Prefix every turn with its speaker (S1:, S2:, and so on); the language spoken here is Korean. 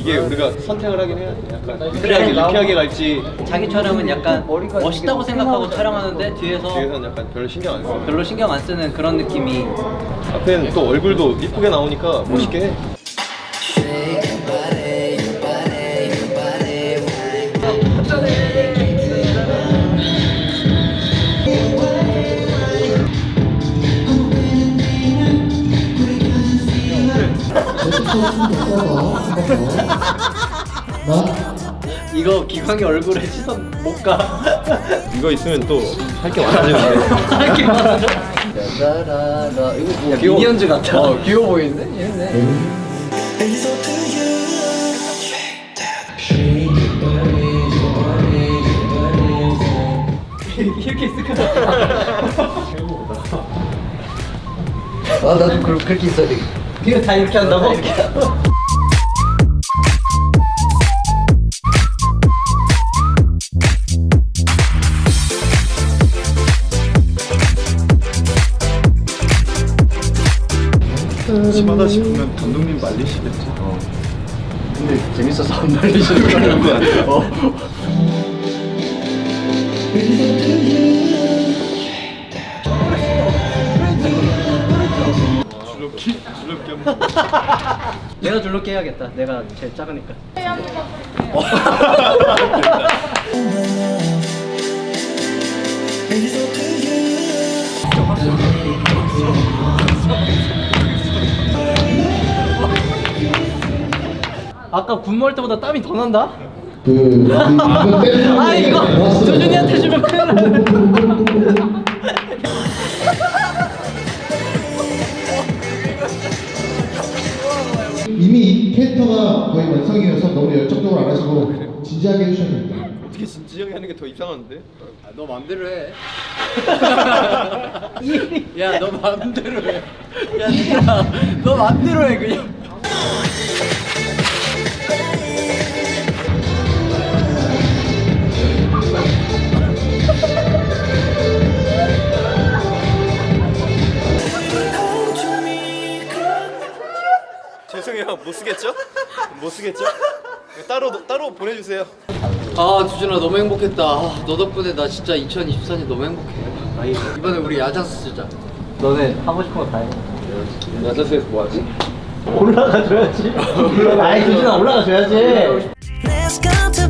S1: 이게 우리가 선택을 하긴 해야 돼. 약간 유쾌하게 갈지.
S2: 자기 촬영은 약간 멋있다고 생각하고 촬영하는데
S1: 뒤에서는 약간 별로 신경 안 써.
S2: 별로 신경 안 쓰는 그런 느낌이.
S1: 앞에는 또 얼굴도 이쁘게 나오니까 멋있게 해.
S2: 이거 기광이 얼굴에 시선 못 가.
S1: 이거 있으면 또 할 게 많아지는데.
S2: 할게 많아져. 이거 뭐 미니언즈 같아.
S3: 귀여워 보이는데? 얘네.
S2: 이렇게 있을 것
S3: 아 나도 그렇게 있어야 돼.
S2: 이거 다 이렇게 한다고?
S1: 심하다 싶으면 감독님 말리시겠지.
S3: 근데 재밌어서 안 말리시는 거 같아.
S1: 줄넘기 한번.
S2: 내가 줄넘기 해야겠다. 내가 제일 작으니까. 아까 군무할 때보다 땀이 더 난다? 아 이거 조준이한테 주면 큰일 나.
S4: 이미 이 캐릭터가 거의 완성이어서 너무 열정적으로 안 하시고 진지하게 해주셔야 됩니다.
S1: 어떻게 진지하게 하는 게 더 이상한데?
S3: 너 맘대로 해. 야, 너 맘대로 해. 야, 진짜 너 맘대로 해 그냥.
S1: 죄송해요. 못 쓰겠죠? 못 쓰겠죠? 따로 보내주세요.
S3: 아, 두준아 너무 행복했다. 아, 너 덕분에 나 진짜 2024년 너무 행복해. 이번에 우리 야자수 쓰자.
S2: 너네 하고 싶은 거 다 해.
S1: 야자수에서 뭐 하지?
S2: 올라가 줘야지. 아이 조준아 올라가 줘야지.
S5: Let's go to